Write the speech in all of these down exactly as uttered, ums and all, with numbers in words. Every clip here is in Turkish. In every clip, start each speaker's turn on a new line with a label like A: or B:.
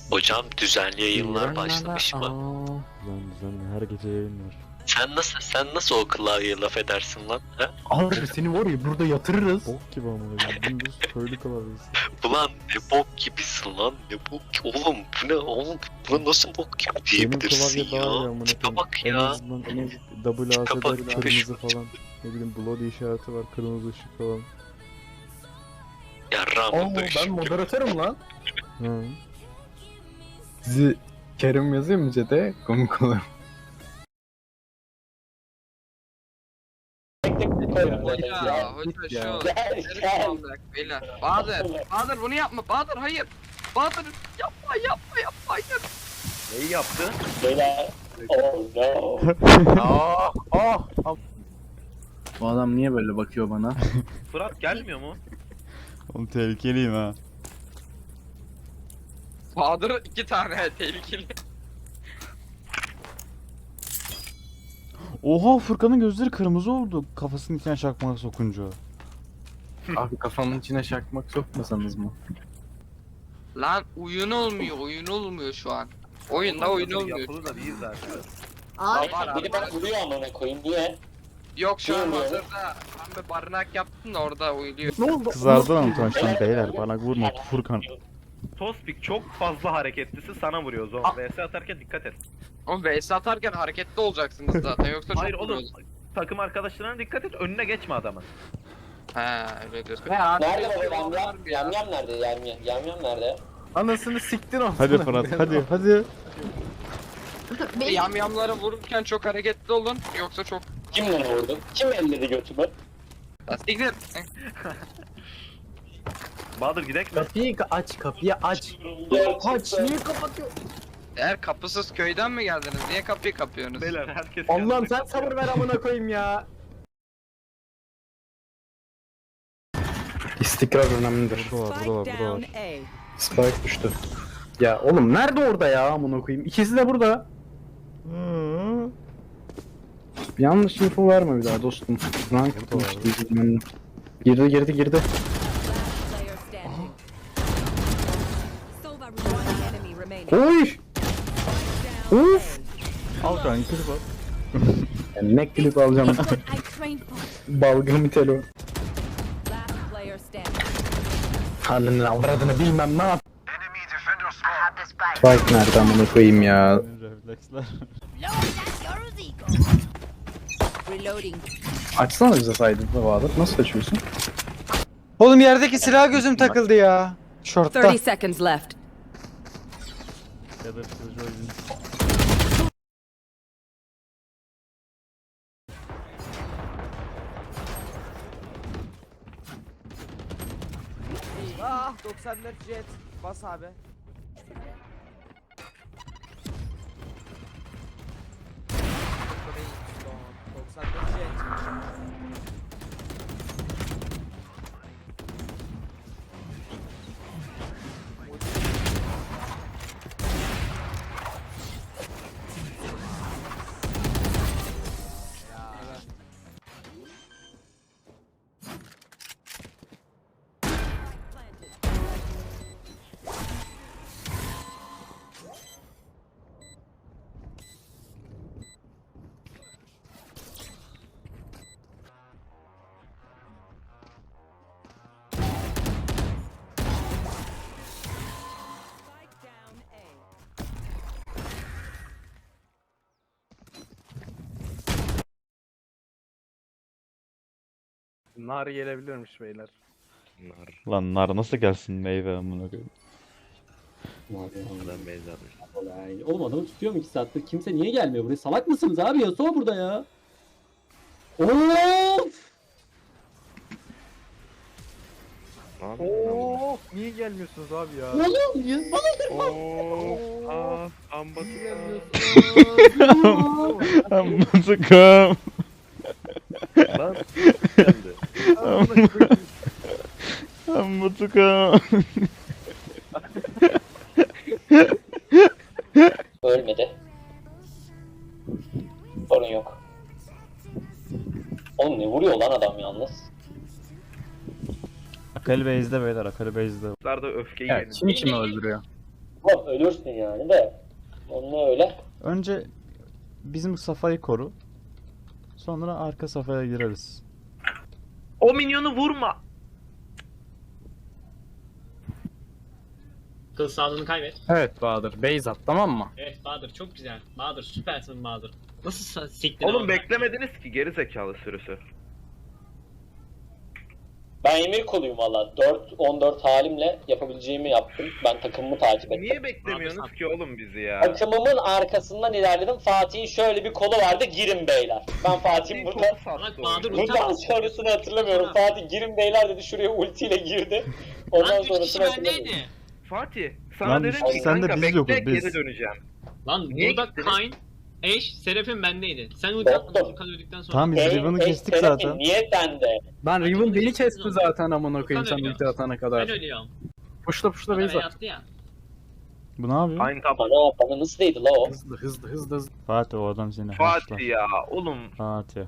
A: Hocam düzenli yayınlar başlamış mı?
B: Lan düzenli her gece yayın var.
A: Sen nasıl sen nasıl o klavyeye laf edersin lan? He?
C: Abi seni var ya burada yatırırız.
B: Bok gibi amına koyayım. Dümdüz köylü klavyesi.
A: Ulan ne bok gibisin lan, ne bok oğlum, bu ne oğlum, bu nasıl bok gibi
B: Benim
A: diyebilirsin
B: klavye daha iyi
A: ya.
B: amına
A: Tipe
B: koyayım.
A: bak
B: En
A: ya.
B: azından en double
A: Tipe bak,
B: AS'de
A: tipe
B: kırmızı
A: şu.
B: falan. Ne bileyim bloody işareti var, kırmızı ışık falan.
A: Ya
C: Oo
A: Rambo'da
C: ben
A: ışık.
C: moderatörüm lan.
B: Hı.
C: Sizi Kerim yazayım mı chat'e? Komik olur.
D: Ya hoca şu neresi beyler. Bahadır, Bahadır bunu yapma. Bahadır hayır. Bahadır yapma yapma yapma hayır.
E: Neyi yaptı?
F: Beyler. Oh no.
E: Aa, ah, ah.
C: Bu adam niye böyle bakıyor bana?
E: Fırat gelmiyor mu?
B: Oğlum tehlikeliyim ha.
D: Bahadır iki tane tehlikeli.
B: Oha, Furkan'ın gözleri kırmızı oldu kafasının içine çakmağı sokunca.
C: Abi kafamın içine şakmak sokmasanız mı?
D: Lan oyun olmuyor oyun olmuyor şu an. Oyunda oyun olmuyor.
E: Yapılı da değil zaten.
F: Ay,
D: var abi,
F: biri
D: var.
F: bana vuruyor amına koyayım diye.
D: Yok şu an
F: Bilmiyorum.
D: hazırda ben bir barınak yaptım da orada uyuluyor.
C: Ne oldu?
B: Kızardı lan utançtan beyler, bana vurma Furkan.
E: Tospik çok fazla hareketlisi sana vuruyor Zon. V S atarken dikkat et.
D: Oğlum V S atarken hareketli olacaksınız zaten yoksa çok
E: Hayır oğlum.
D: vuruyoruz.
E: Takım arkadaşlarına dikkat et, önüne geçme adamın.
D: He öyle diyorsun. He abi.
F: Nerede baba yam yam? Yam yam nerede? Yam yam. Yam yam nerede?
C: Anasını siktin olsun.
B: Hadi Fırat, hadi hadi.
D: Yamyamlara vururken çok hareketli olun yoksa çok
F: Kimle vurdun? Kim elledi götümü?
D: Siktir.
E: Bahadır gidek mi?
C: Kapıyı aç, kapıyı aç. Aç, niye kapatıyor?
D: Eğer kapısız köyden mi geldiniz? Niye kapıyı kapıyorsunuz?
E: Beyler herkes
C: Allah'ım
E: kendine-
C: sen sabır ver amına koyayım ya. İstikrar önemlidir.
B: Burada var, burada var, burada var.
C: Spike düştü. Ya oğlum nerede orada ya amına koyayım? İkisi de burada.
B: Hı.
C: Yanlış info verme bir daha dostum. Rank
B: Burada var.
C: tutmuştu bilmem ne. Girdi girdi girdi.
G: Player standing. Sova one enemy remaining.
C: Oy! Uf!
B: Al kanka, klip al.
C: Yani ne klip alacağım?
G: I trained for.
C: Balgamı telo.
G: Last player standing.
C: Halinin avradını bilmem ne yap. Spike nerede amına koyayım ya?
B: Refleksler.
G: Reloading.
C: Açsana bize saydığında Bahadır. Nasıl açıyorsun?
H: Oğlum yerdeki silah gözüm takıldı ya. Şortta.
G: thirty seconds left.
B: Ya da kılıcı oyun.
H: Ah doksan dört jet. Bas abi. doksan dört jet.
G: Spike down A.
E: Nar gelebilirmiş beyler.
B: Lan nar nasıl gelsin meyve amına koyayım.
F: Ondan benzer. Oğlum adamı tutuyorum iki saattir. Kimse niye gelmiyor buraya? Salak mısınız abi? Yasuo burada ya. Of!
E: Oo, niye gelmiyorsunuz abi ya?
F: Oğlum ya bana
E: Oo, aa, ambası
B: Amına
E: Lan geldi.
B: Amına
F: ölmedi. Sorun yok. Oğlum ne vuruyor lan adam yalnız?
B: Akali base'de beyler, Akali base'de.
E: Bunlar da öfkeyi
C: Ya
E: yenin.
C: kim kimi öldürüyor?
I: Oğlum ölürsün yani de. Onunla öyle.
B: Önce bizim safayı koru. Sonra arka safhaya gireriz.
E: O minyonu vurma.
J: Kıl sağlığını kaybet.
C: Evet Bahadır. Base at tamam mı?
J: Evet Bahadır çok güzel. Bahadır süpersin Bahadır. Nasıl sa- siktin
E: Oğlum
J: oğlum?
E: beklemediniz ki geri zekalı sürüsü.
I: Ben emir koluyum valla. dört on dört halimle yapabileceğimi yaptım. Ben takımımı takip ettim.
E: Niye beklemiyorsunuz ki oğlum bizi ya?
I: Takımımın arkasından ilerledim. Fatih'in şöyle bir kolu vardı. Girin beyler. Ben Fatih'in burada...
J: Bak Bahadır ulti
I: Buradan
J: attı.
I: sonrasını hatırlamıyorum. Fatih girin beyler dedi. Şuraya ultiyle girdi. Ondan
J: Lan üç kişi
I: sonrasını hatırlamıyorum.
J: bendeydi.
E: Fatih sana
B: Lan
E: dedim ki
B: sen de
E: kanka
B: biz
E: bekle
B: yokuz, biz.
E: geri döneceğim.
J: Lan
E: Niye
J: burada
E: gittiniz?
J: Kayn, Eş, Serafin bendeydi. Sen ulti
I: Doktor.
J: atmadın Furkan öldükten sonra.
B: Tamam biz
I: Ey,
B: Riven'ı
I: ey,
B: kestik
I: Serafin,
B: zaten.
I: Niye sende?
C: Ben Riven beni kesti zaten amına koyayım sen
J: Furkan
C: ulti atana
J: Ben
C: kadar.
J: ölüyorum.
C: Puşla puşla
J: Bana
C: base
J: bey
C: at.
J: attı ya.
B: Bu ne yapıyor?
E: Aynı tab.
I: Bana, bana nasıl değdi la o?
C: Hızlı hızlı hızlı hızlı.
B: Fatih o adam seni haşlar.
E: Fatih ya oğlum.
B: Fatih.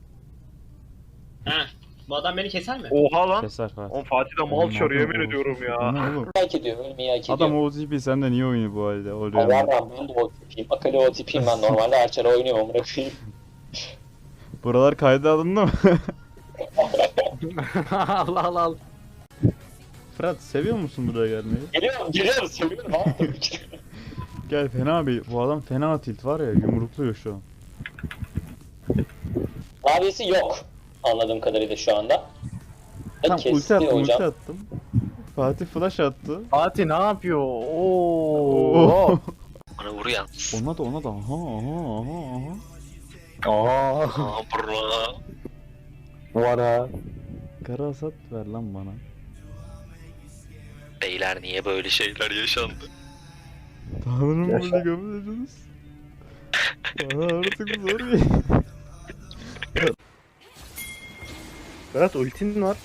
J: Heh. Bu adam beni keser mi?
E: Oha lan.
B: Keser Fatih.
E: Oğlum Fatih de mal
B: Oğlum,
E: çarıyor yemin
B: adam
E: ediyorum
B: O
E: ya.
B: ne oğlum?
I: Hak ediyor. Ölmeyi hak ediyor.
B: Adam O T P senden niye oynuyor bu halde? O
I: Allah
B: Riven.
I: Allah ben de o tipiyim. Akıllı o tipiyim ben normalde Archer'a oynuyorum amına koyayım.
B: Buralar kayda alındı mı?
C: Allah Allah Allah.
B: Fırat seviyor musun buraya gelmeyi?
I: Geliyorum geliyorum seviyorum abi.
B: Gel fena bir, bu adam fena tilt var ya, yumrukluyor şu an.
I: Abisi yok. Anladığım kadarıyla şu anda.
B: Tam
I: Kesti
B: ulti attım,
I: hocam.
B: ulti attım. Fatih flash attı.
C: Fatih ne yapıyor? Oo.
B: Oo.
A: Bana vur yalnız.
B: Ona da ona da. Aha aha aha aha.
C: Aa.
A: Aa bro.
C: Vara.
B: Kara hasat ver lan bana.
A: Beyler niye böyle şeyler yaşandı?
B: Tanrım
C: Yaşa.
B: böyle kabul ediniz. Bana artık zor ya.
C: Berat ultin var.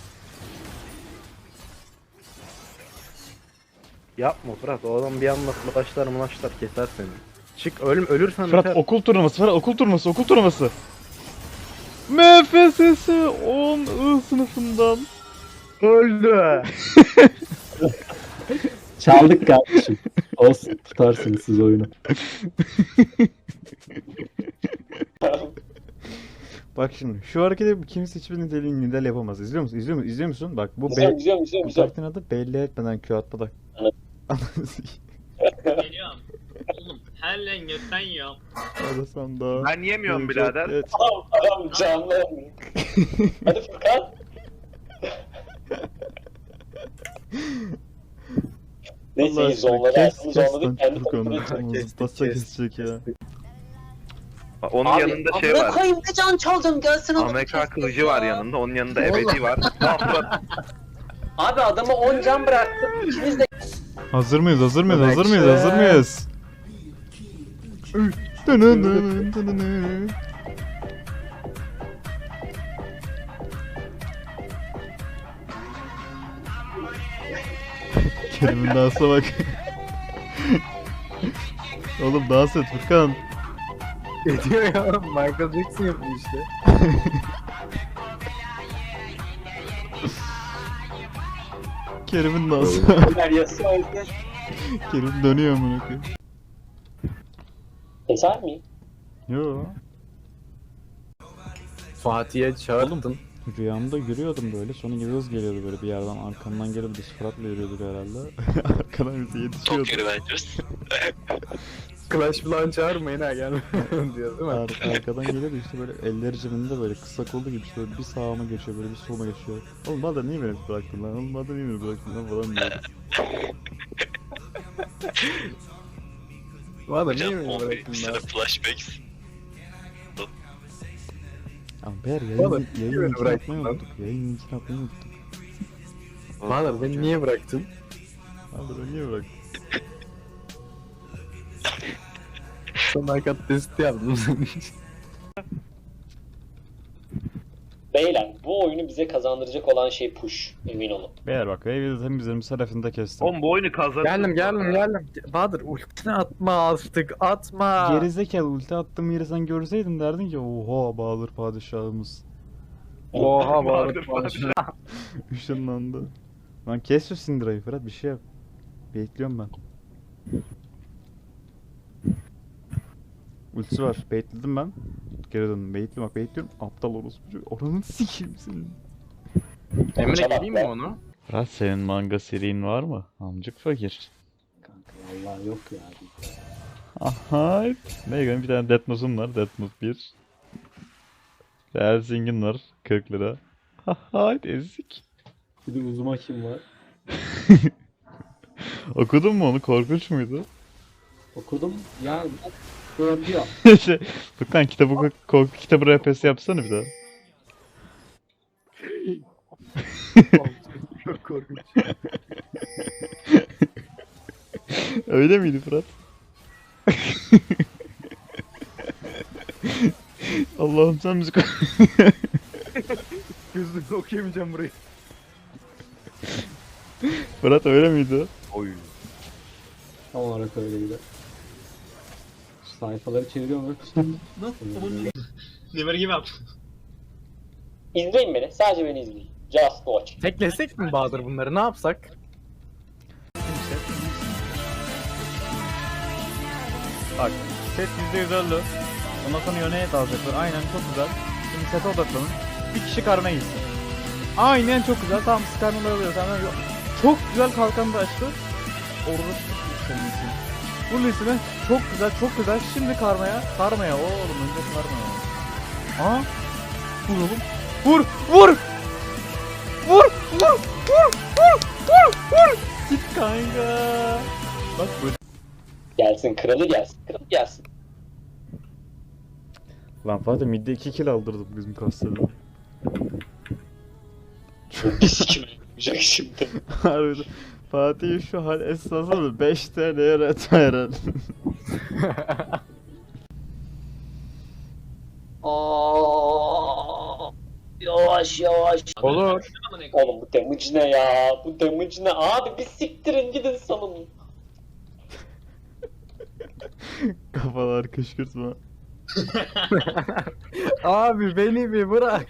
C: Yapma Fırat o adam bir anda flashlar mlaşlar keser seni. Çık ölüm ölürsen
B: Fırat
C: biter.
B: okul turnuvası, Fırat okul turnuvası, okul turnuvası. M F S S on I sınıfından.
C: Öldü.
F: Çaldık kardeşim. Olsun tutarsınız siz oyunu.
B: Bak şimdi şu hareketi kimse hiçbir niteliğin nidal yapamaz. İzliyor musun? İzliyor musun? İzliyor musun? Bak bu
I: Güzel
B: be
I: güzel güzel
B: bu
I: güzel.
B: karakterin adı belli etmeden Q atma da.
I: Evet.
J: Geliyorum. Oğlum her lan götten yiyorum.
B: Hadi sen daha.
E: Ben yemiyorum birader.
B: Evet.
I: Adam, adam canlı. Hadi Furkan. Neyse iyi zonları
B: kes
I: aklını
B: kes lan
I: zonladık. Kendi
B: Furkan'ı.
I: takımını
C: Kestik,
B: Nasıl
C: kestik,
B: kesecek ya?
E: Onun yanında şey var.
I: koyayım ne can çaldım gelsin
E: Amerika kılıcı var yanında. Onun yanında ebedi var. Lan Fırat,
I: Abi adamı on can bıraktım. İkiniz de
B: Hazır mıyız? Hazır mıyız? Hazır mıyız? Hazır mıyız? Dının dının dının. Kerim'in dansa bak. Oğlum dans et Furkan.
C: Ediyor ya Michael Jackson yapıyor işte.
B: Kerim'in dansı.
I: Ömer yasıyor o yüzden.
B: Kerim dönüyor amına koyayım.
I: Keser miyim?
B: Yo.
C: Fatih'e çağırdın.
B: Rüyamda yürüyordum böyle, sonra Yıldız geliyordu böyle bir yerden, arkamdan gelip biz Fırat'la yürüyorduk herhalde. Arkadan bize yetişiyordu.
A: Çok yürü bence.
C: Clash falan çağırmayın ha gelme diyor değil mi?
B: Ar- arkadan geliyordu işte böyle elleri cebinde, böyle kısa kollu gibi, işte böyle bir sağıma geçiyor, böyle bir soluma geçiyor. Oğlum bana niye beni bıraktın lan? Oğlum bana niye beni bıraktın lan falan diyor.
C: Valla niye
A: Hocam
C: beni
A: on
C: bıraktın
A: birinci
C: lan?
A: sene flashbacks.
B: Ama Ber
C: Oğlum,
B: yayın,
C: niye
B: yayın
C: beni
B: linkini
C: bıraktın
B: atmayı
C: lan?
B: unuttuk. Yayın linkini atmayı unuttuk.
C: Valla beni niye bıraktın?
B: Abi beni niye bıraktın?
C: Sadakat testi yaptım senin için.
I: Beyler bu oyunu bize kazandıracak olan şey push. Emin olun.
B: Beyler bak, Wave'de temizlerim, tarafında kestim.
E: oğlum bu oyunu kazandı.
C: Geldim geldim geldim. Bahadır ultini atma artık atma.
B: Gerizekalı, ulti attığım yeri sen görseydin derdin ki oha Bahadır padişahımız.
C: Oha
E: Bahadır
C: Bahadır.
B: Işınlandı. Lan kes şu Syndra'yı Fırat, bir şey yap. Bekliyorum ben. Ultisi var. Baitledim ben. Geri döndüm. Baitli bak baitliyorum. Aptal orospu çocuk. Oranın sikeyim senin.
C: Emre geleyim mi onu?
B: Fırat senin manga serinin var mı? Amcık fakir.
F: Kanka vallahi yok ya.
B: Aha. Ne benim bir tane Death Note'um var. Death Note bir. Helsingin var. kırk lira. Haha ezik.
F: Bir de uzuma kim var?
B: Okudun mu onu? Korkunç muydu?
F: Okudum. Ya şey yapıyor.
B: şey, Furkan kitabı korku kitabı R P S yapsana bir daha.
C: Çok korkunç.
B: Öyle miydi Fırat? Allah'ım sen müzik
C: Gözümle okuyamayacağım burayı.
B: Fırat öyle miydi?
C: Oy.
F: Tam olarak öyleydi. Sayfaları çeviriyorum ve
J: Never give up.
I: İzleyin beni. Sadece beni izleyin. Just watch.
C: Teklesek mi Bahadır bunları? Ne yapsak?
B: Bak set yüzde yüz öldü. Ondan sonra yöne dalacaklar. Aynen çok güzel. Şimdi sete odaklanın. Bir kişi karmaya gitsin. Aynen çok güzel. Tamam siz karmaları alıyor. Tamam. Çok güzel kalkanı da açtı. Orası senin için. Vur Lee'sine. Çok güzel çok güzel. Şimdi karmaya. Karmaya oğlum önce karmaya. Aa. Vur oğlum. Vur. Vur. Vur. Vur. Vur. Vur. Vur. Vur. Git kanka. Bak böyle.
I: Gelsin kralı gelsin. Kralı gelsin.
B: Lan Fatih midde iki kill aldırdı bizim kastede.
I: Biz kim yapacak şimdi?
B: Harbiden. Fatih şu hal esnasında beş T L'ye retire.
I: Aa, yavaş yavaş.
C: Olur.
I: Oğlum bu damage ne ya? Bu damage ne? Abi bir siktirin gidin salın.
B: Kafalar kışkırtma.
C: Abi beni bir bırak.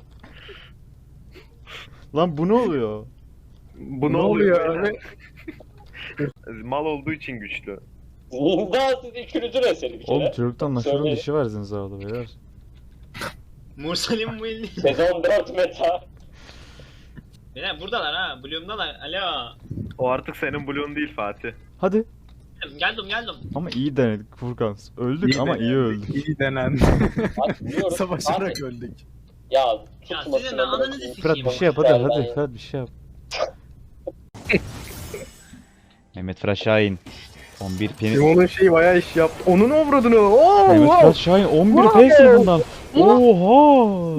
B: Lan bu ne oluyor?
E: Bu
C: Ne oluyor
E: böyle?
C: abi?
E: Mal olduğu için güçlü.
I: Daha siz üçünüzün eseri bir
B: Oğlum
I: kere.
B: çocuktan naşırın
I: Söyle.
B: dişi var zinzarda beyler.
J: Mursalim bu elli.
I: Sezon dört meta.
J: Beyler buradalar ha. Bloom'dalar. Alo.
E: O artık senin bloğun değil Fatih.
B: Hadi.
J: Geldim geldim.
B: Ama iyi denedik Furkan. Öldük ama iyi öldük.
C: İyi denen.
I: Bak biliyorum.
C: Savaşarak
I: Abi,
C: öldük.
I: Ya
J: Ya
I: tutmasın.
J: sizin ben ananızı
B: Fırat
J: sikeyim.
B: bir şey yap hadi
I: Ben-
B: hadi
I: ben-
B: Fırat bir şey yap. Mehmet Fırat Şahin. on bir penis.
C: Simon'un şeyi bayağı iş yaptı. Onun avradını. Oo,
B: Mehmet
C: wow.
B: Fırat Şahin on bir penis bundan. Oha!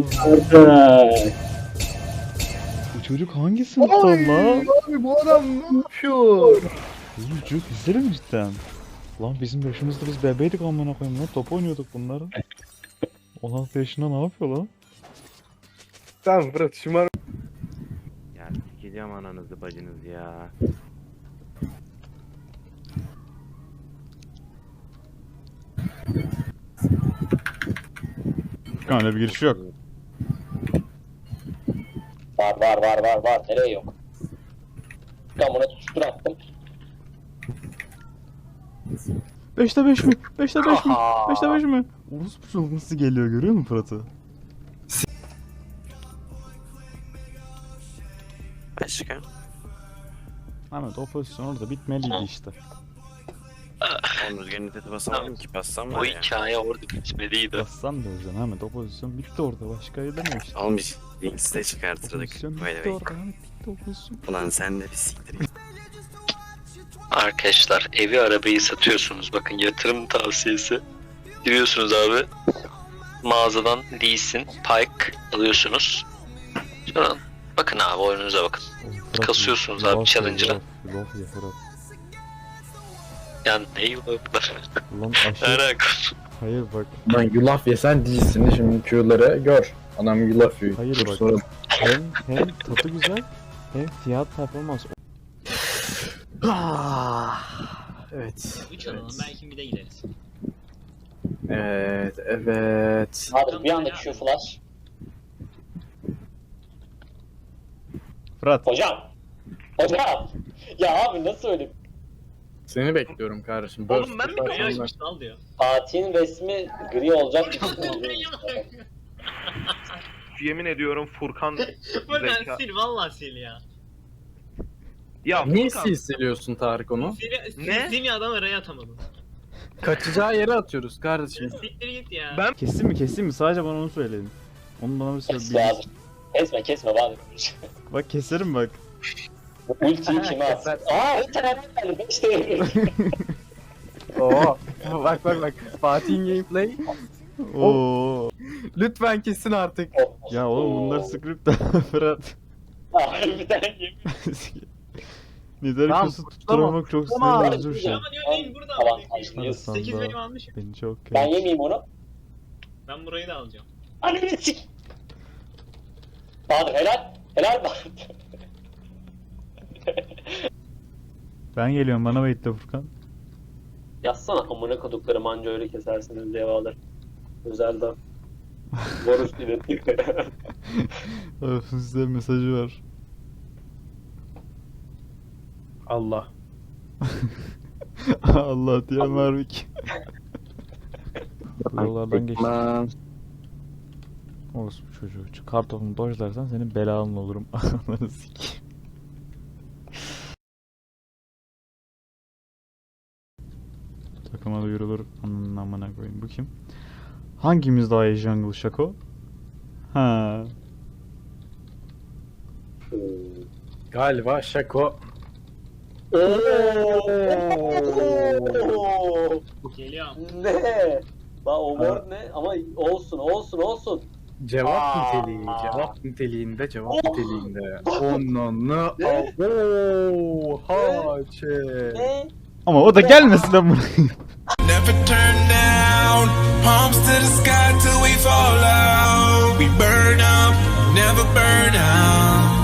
B: Bu çocuk hangi sınıftan
C: Oy,
B: lan?
C: abi bu adam ne yapıyor?
B: Oğlum çocuk izler mi cidden? Lan bizim yaşımızda biz bebeydik amına koyayım lan top oynuyorduk bunları. on altı yaşında ne yapıyor lan?
C: Tamam Fırat şımar.
K: Ya sikeceğim ananızı bacınızı ya.
B: Furkan öyle bir giriş yok.
I: Var var var var var. Nereye yok? Ben buna tutuştur attım.
B: beşte beş mi? beşte beş mi? beşte beş mi? Orospu çocuk nasıl geliyor görüyor musun Fırat'ı?
K: Başka?
B: Ahmet o pozisyon orada bitmeliydi işte.
K: Oğlum rüzgarın niteti basamadım ki bassam
A: O
K: var ya.
A: hikaye orada bitmeliydi.
B: Bassan da öleceksin Ahmet o pozisyon bitti orada başka demiyor işte.
K: Oğlum biz Links'te
B: O
K: çıkartırdık.
B: pozisyon
K: By the
B: bitti
K: way.
B: orada Ahmet bitti o pozisyon.
K: Ulan sen de bir siktir git.
A: Arkadaşlar evi arabayı satıyorsunuz. Bakın yatırım tavsiyesi. Giriyorsunuz abi. Mağazadan Lee Sin, Pike alıyorsunuz. Sonra bakın abi oyununuza bakın.
B: Oğlum Fırat,
A: Kasıyorsunuz
B: laf
A: abi
B: ya,
A: challenger'a.
B: laf, Laf ya Fırat.
A: Yani ne yıllar.
B: Lan aşırı...
A: Alakası.
B: Hayır bak.
C: Lan yulaf yesen değilsin şimdi Q'ları gör. Adam yulaf yiyor.
B: Hayır
C: Dur
B: bak.
C: sonra-
B: Hem, hem tadı güzel hem fiyat performans.
C: Evet.
J: üç alalım belki bir de gideriz.
C: Evet, evet.
I: Abi bir anda Q flash.
B: Fırat.
I: Hocam. Hocam. Ya abi nasıl öyle?
C: Seni bekliyorum kardeşim.
E: Oğlum ben mi
C: Burst
J: Kaya
C: yaparsan
J: açmış al diyor.
I: Fatih'in resmi gri olacak.
E: Yemin ediyorum Furkan
J: Buradan
E: zeka.
J: sil valla sil ya.
E: Ya
C: Niye
E: Furkan.
C: sil siliyorsun Tarık onu?
J: Sil, sil,
E: Ne?
J: sil ya adam araya atamadın.
C: Kaçacağı yere atıyoruz kardeşim.
J: Siktir git ya.
E: Ben
B: Kesin mi kesin mi? Sadece bana onu söyleyin. Onu bana bir söyle.
I: Kes Bahadır. Kesme kesme Bahadır.
B: Bak keserim bak.
I: Bu ultiyi kime atsın? Aa bir tane geldi. Beş tane.
C: Oo. Bak bak bak. Fatih'in gameplay.
B: Oo.
C: Lütfen kesin artık.
B: Ya oğlum bunlar script Fırat.
I: Bir tane yemin.
B: Nidari
C: Tamam,
B: kusu
C: kutlama,
B: tutturamak çok
C: kutlama.
B: sinir bozucu bir şey.
J: Ama diyor neyim burada
I: Tamam,
J: ama.
I: başlıyoruz.
J: sekiz benim almışım.
B: Beni çok
I: Ben
B: kötü.
I: yemeyeyim onu.
J: Ben burayı da alacağım.
I: Ananı sik. Bahadır helal. Helal Bahadır.
B: Ben geliyorum bana bekle Furkan.
I: Yazsana amına koduklarım anca öyle kesersiniz diye Bahadır. Özelden. Boruş iletti.
B: Öf, size mesajı var.
C: Allah.
B: Allah diyen Marvik. Yollardan geçtim. Olsun bu çocuğu. Şu kartofumu dojlarsan senin belanın olurum. Ananı sikeyim. Takıma duyurulur. Ananın amına koyayım. Bu kim? Hangimiz daha iyi jungle Şako? Ha.
C: Galiba Şako.
J: Geliyor.
I: Ne? La o word ne? Ama olsun olsun olsun.
C: Cevap
I: Aa.
C: niteliği. Cevap niteliğinde. Cevap niteliğinde. Onunla. Ooo. Haçe.
I: Ne?
B: Ama o da gelmesin lan buraya.
K: Never turn down, palms to the sky till we fall out. We burn up, never burn out.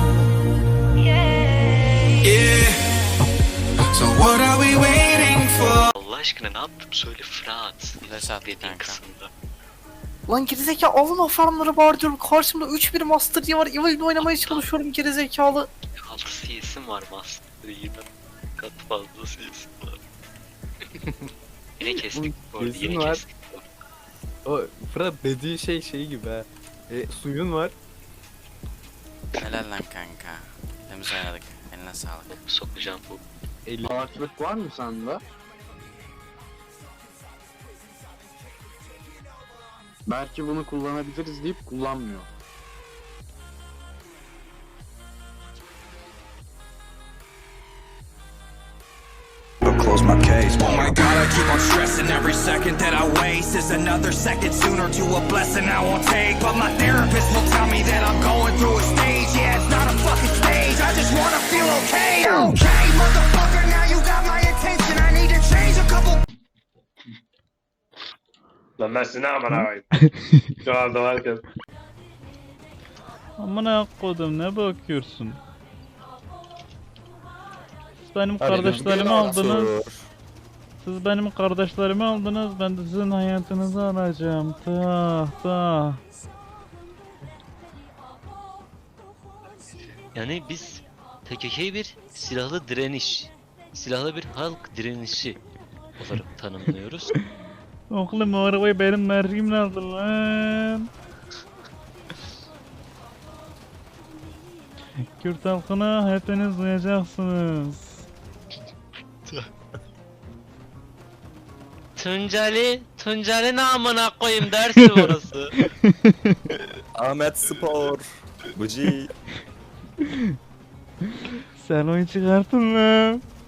K: Yeah. So what are we waiting for?
A: Allah aşkına ne yaptım söyle Fırat. Dediğin kısımda.
H: Lan gerizekalı alın o farmları var diyorum. Karşımda üç bir Master diye var. Evil'de oynamaya çalışıyorum gerizekalı.
A: altı C S'im var Master yine. Kat fazla C S'im var. Yine kestik bu arada,
C: Kesin
A: yine
C: var.
A: kestik.
C: O Fırat dediği şey şey gibi ha. E, suyun var.
K: Helal lan kanka. Temiz oynadık. Eline sağlık.
A: Sokacağım bu.
C: Ağaçlık var mı sende? Belki bunu kullanabiliriz deyip kullanmıyor.
K: Close my case. Oh my god, I keep on stressing. Every second that I waste is another second sooner to a blessing I won't take. But my therapist will tell me that I'm going through a stage. Yeah, it's not a fucking stage. I just wanna feel okay. Okay, motherfucker, now you got my attention. I need to change a couple.
E: Lan ben size ne aman ağabeyim. Şu anda varken.
B: Amına kodum ne bakıyorsun? Siz benim kardeşlerimi aldınız. Siz benim kardeşlerimi aldınız. Ben de sizin hayatınızı alacağım. Tah tah.
A: Yani biz P K K'yı bir silahlı direniş, silahlı bir halk direnişi olarak tanımlıyoruz.
B: Oğlum o arabayı benim merkimle aldın lan. Kürt halkına hepiniz duyacaksınız.
A: Tunceli, Tunceli namına koyayım dersi orası.
K: Ahmet Spor. Buci.
B: Sen oyun çıkartın lan.